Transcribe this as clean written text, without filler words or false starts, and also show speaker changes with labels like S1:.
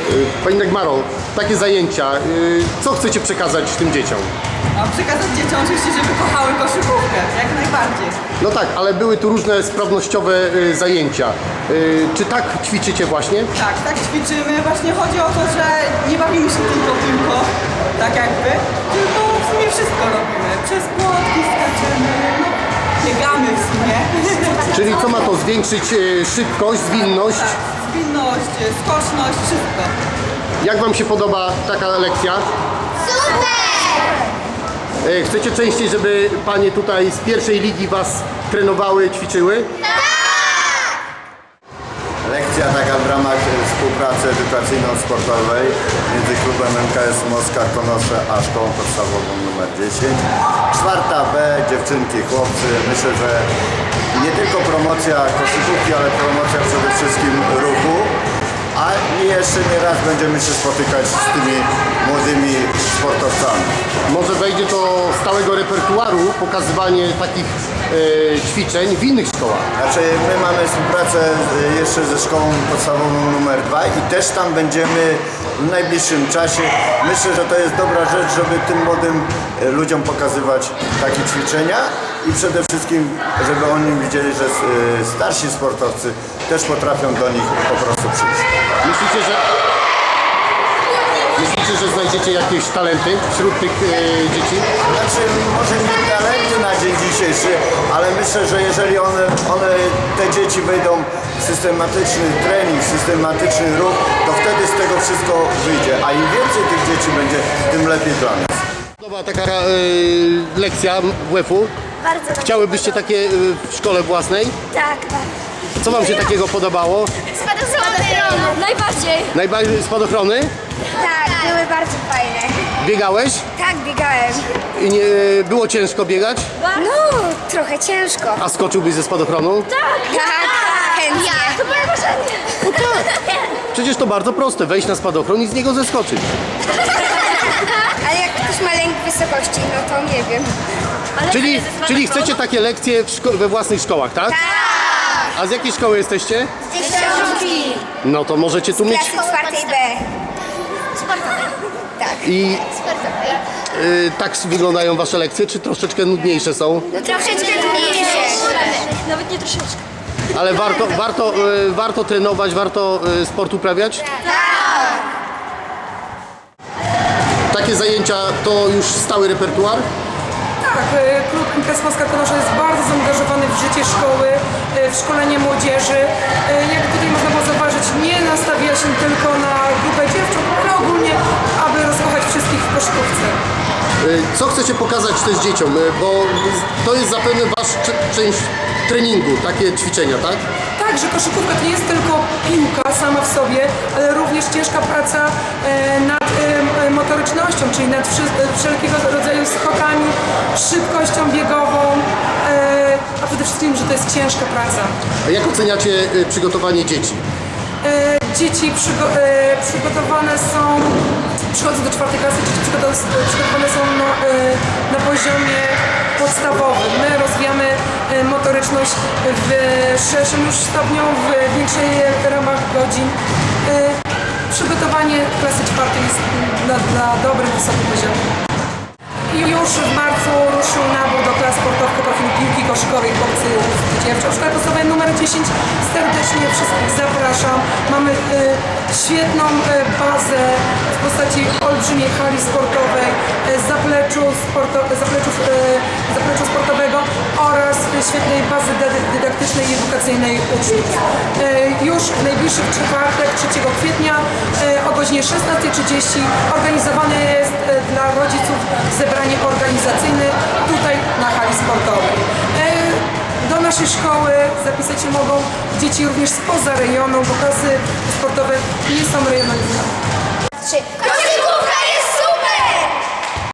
S1: Pani Dagmaro, takie zajęcia, co chcecie przekazać tym dzieciom?
S2: Mam przekazać dzieciom oczywiście, żeby kochały koszykówkę, jak najbardziej.
S1: No tak, ale były tu różne sprawnościowe zajęcia. Czy tak ćwiczycie właśnie?
S2: Tak ćwiczymy. Właśnie chodzi o to, że nie bawimy się tylko piłką, tak jakby, tylko w sumie wszystko robimy. Przez płotki skaczemy, no, biegamy w sumie.
S1: Czyli co ma to zwiększyć szybkość, zwinność?
S2: Tak, zwinność, skoczność, wszystko.
S1: Jak Wam się podoba taka lekcja? Chcecie częściej, żeby Panie tutaj z pierwszej ligi Was trenowały, ćwiczyły?
S3: Lekcja taka w ramach współpracy edukacyjno-sportowej między klubem MKS Moskwa Konosze a szkołą podstawową nr 10. 4B, dziewczynki, chłopcy. Myślę, że nie tylko promocja koszykówki, ale promocja przede wszystkim ruchu. A jeszcze nie raz będziemy się spotykać z tymi młodymi sportowcami.
S1: Może wejdzie do stałego repertuaru pokazywanie takich ćwiczeń w innych szkołach?
S3: Znaczy my mamy współpracę jeszcze ze szkołą podstawową nr 2 i też tam będziemy w najbliższym czasie. Myślę, że to jest dobra rzecz, żeby tym młodym ludziom pokazywać takie ćwiczenia i przede wszystkim, żeby oni widzieli, że starsi sportowcy też potrafią do nich po prostu przyjść.
S1: Myślicie, że znajdziecie jakieś talenty wśród tych dzieci?
S3: Znaczy, może nie talenty na dzień dzisiejszy, ale myślę, że jeżeli te dzieci wejdą w systematyczny trening, systematyczny ruch, to wtedy z tego wszystko wyjdzie. A im więcej tych dzieci będzie, tym lepiej dla nas.
S1: Podoba taka lekcja WF-u?
S4: Bardzo dobrze.
S1: Chciałybyście takie w szkole własnej?
S4: Tak, bardzo.
S1: Co Wam się takiego podobało?
S4: Spadochrony. Najbardziej.
S1: Najbardziej spadochrony?
S4: Tak, były bardzo fajne.
S1: Biegałeś?
S4: Tak, biegałem.
S1: I nie było ciężko biegać?
S4: No, trochę ciężko.
S1: A skoczyłbyś ze spadochronu?
S4: Tak, chętnie. To moje marzenie.
S1: Przecież to bardzo proste, wejść na spadochron i z niego zeskoczyć.
S4: Ale jak ktoś ma lęk wysokości, no to nie wiem.
S1: Czyli chcecie takie lekcje we własnych szkołach, tak?
S4: Tak.
S1: A z jakiej szkoły jesteście?
S4: Dziesiątki.
S1: No to możecie tu mieć...
S4: Klasy 4B. Sportowej. Tak.
S1: I tak wyglądają Wasze lekcje, czy troszeczkę nudniejsze są?
S4: No troszeczkę trudniejsze.
S5: Nawet nie troszeczkę.
S1: Ale warto trenować, warto sport uprawiać? Takie zajęcia to już stały repertuar?
S6: Tak, klub MKS Moskwa Konosze jest bardzo zaangażowany w życie szkoły, w szkolenie młodzieży. Jak tutaj można było zauważyć, nie nastawia się tylko na grupę dziewcząt, ale ogólnie, aby rozkochać wszystkich w koszykówce.
S1: Co chcecie pokazać też dzieciom? Bo to jest zapewne Wasz część treningu, takie ćwiczenia, tak?
S6: Tak, że koszykówka to nie jest tylko piłka sama w sobie, ale również ciężka praca nad motorycznością, czyli nad wszelkiego rodzaju skokami, szybkością biegową, a przede wszystkim, że to jest ciężka praca.
S1: A jak oceniacie przygotowanie dzieci?
S6: Dzieci przygotowane są, przychodzą do 4. klasy, dzieci przygotowane są na poziomie podstawowym. My rozwijamy motoryczność w szerszym już stopniu, w większej ramach godzin. Przygotowanie klasy 4. jest na dobrym, wysokim poziomie. I już w marcu ruszył nabór do klas sportowych profilu piłki koszykowej chłopcy i dziewcząt. W szkole podstawowej numer 10 serdecznie wszystkich zapraszam. Mamy świetną bazę w postaci olbrzymiej hali sportowej, zapleczu sportowego oraz świetnej bazy dydaktycznej i edukacyjnej uczniów. Już w najbliższy czwartek, 3 kwietnia o godzinie 16:30 organizowane jest dla rodziców zebranie organizacyjne tutaj na hali sportowej. Do naszej szkoły zapisać się mogą dzieci również spoza rejonu, bo klasy sportowe nie są rejonizowane.
S4: 3.